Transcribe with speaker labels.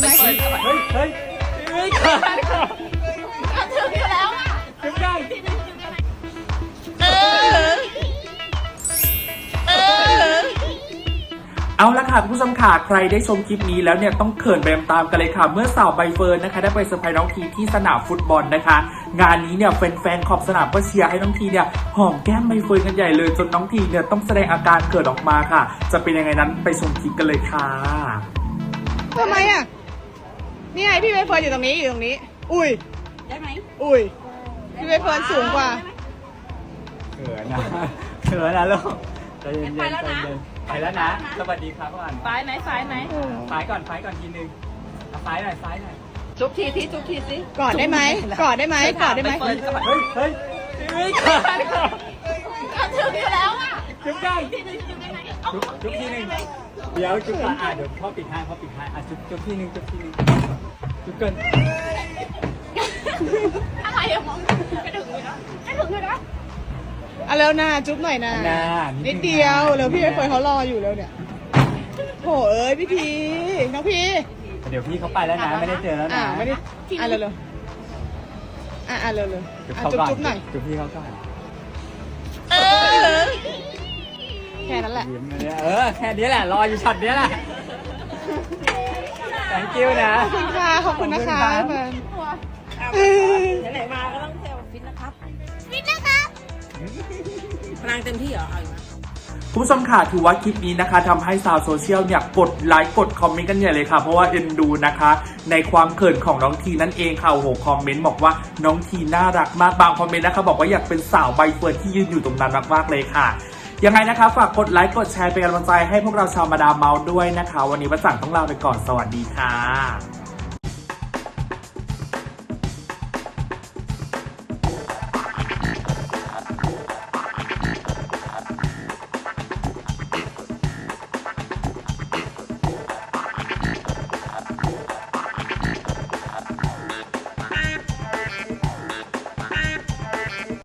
Speaker 1: ไหมเฮ้ยเกินถึงอยู่แล้วอ่ะถึงได้เอาละค่ะคุณผู้ชมค่ะใครได้ชมคลิปนี้แล้วเนี่ยต้องเขินไปตามๆกันเลยค่ะเมื่อสาวใบเฟิร์นนะคะได้ไปเซอร์ไพรส์น้องทีที่สนามฟุตบอลนะคะงานนี้เนี่ยแฟนๆขอบสนามก็เชียร์ให้น้องทีเนี่ยหอมแก้มใบเฟิร์นกันใหญ่เลยจนน้องทีเนี่ยต้องแสดงอาการเกิดออกมาค่ะจะเป็นยังไงนั้นไปชมคลิปกันเลยค่ะ
Speaker 2: ทำไมอ่ะนี่ไงพี่ใบเฟิร์นอยู่ตรงนี้อุ้ยได้ไหมอุ้ยพี่ใบเฟิร์นสูงกว่า
Speaker 1: เขินนะลูกใจเย็นๆใจเย็นไปแล้วนะสวัสดีครับก่อน
Speaker 2: ซ้ายไหมซ้าย
Speaker 1: ก่อนทีนึงซ้ายหน่อย
Speaker 2: จุ๊บทีสิกอดได้ไหมกอดได้ไหม
Speaker 1: เฮ้ยเกินถึงอยู่แล้วอ่ะจุ๊บได้จุ๊บทีนึงเดี๋ยวจุ๊บก่อนเดี๋ยวพ่อปิดให้จุ๊บทีนึงจุ๊บเกิน
Speaker 2: อะไรอะมองไม่ถึงเลยนะเอาเร็วนะจุ๊บหน่อยนะนิดเดียวเร็วพี่ใบเฟิร์นเขารออยู่แล้วเนี่ยโหเอ้ยพี่พีน้องพี่
Speaker 1: เดี๋ยวพี่เขาไปแล้วนะไม่ได้เจอแล้วนะ
Speaker 2: ไม่ได้เร็วจุ๊บหน่อย
Speaker 1: จุ๊บพี่เขาก่อน
Speaker 2: แค่นั้นแหละ
Speaker 1: แค่นี้แหละรออยู่ช็อตนี้แหละ thank you นะ
Speaker 2: ขอบคุณนะคะเฟิร์นไหนมาก็ต้องเซลฟิตนะครับพลังเต็มที่เหรอ
Speaker 1: คุณผู้ชมค่ะถือว่าคลิปนี้นะคะทำให้ชาวโซเชียลเนี่ยกดไลค์กดคอมเมนต์กันใหญ่เลยค่ะเพราะว่าเอ็นดูนะคะในความเขินของน้องทีนั่นเองค่ะโอ้โหคอมเมนต์บอกว่าน้องทีน่ารักมากบางคอมเมนต์นะคะบอกว่าอยากเป็นสาวใบเฟิร์นที่ยืนอยู่ตรงนั้นมากๆเลยค่ะยังไงนะคะฝากกดไลค์กดแชร์เป็นกำลังใจให้พวกเราชาวมาดามเมาส์ด้วยนะคะวันนี้ประจังต้องลาไปก่อนสวัสดีค่ะ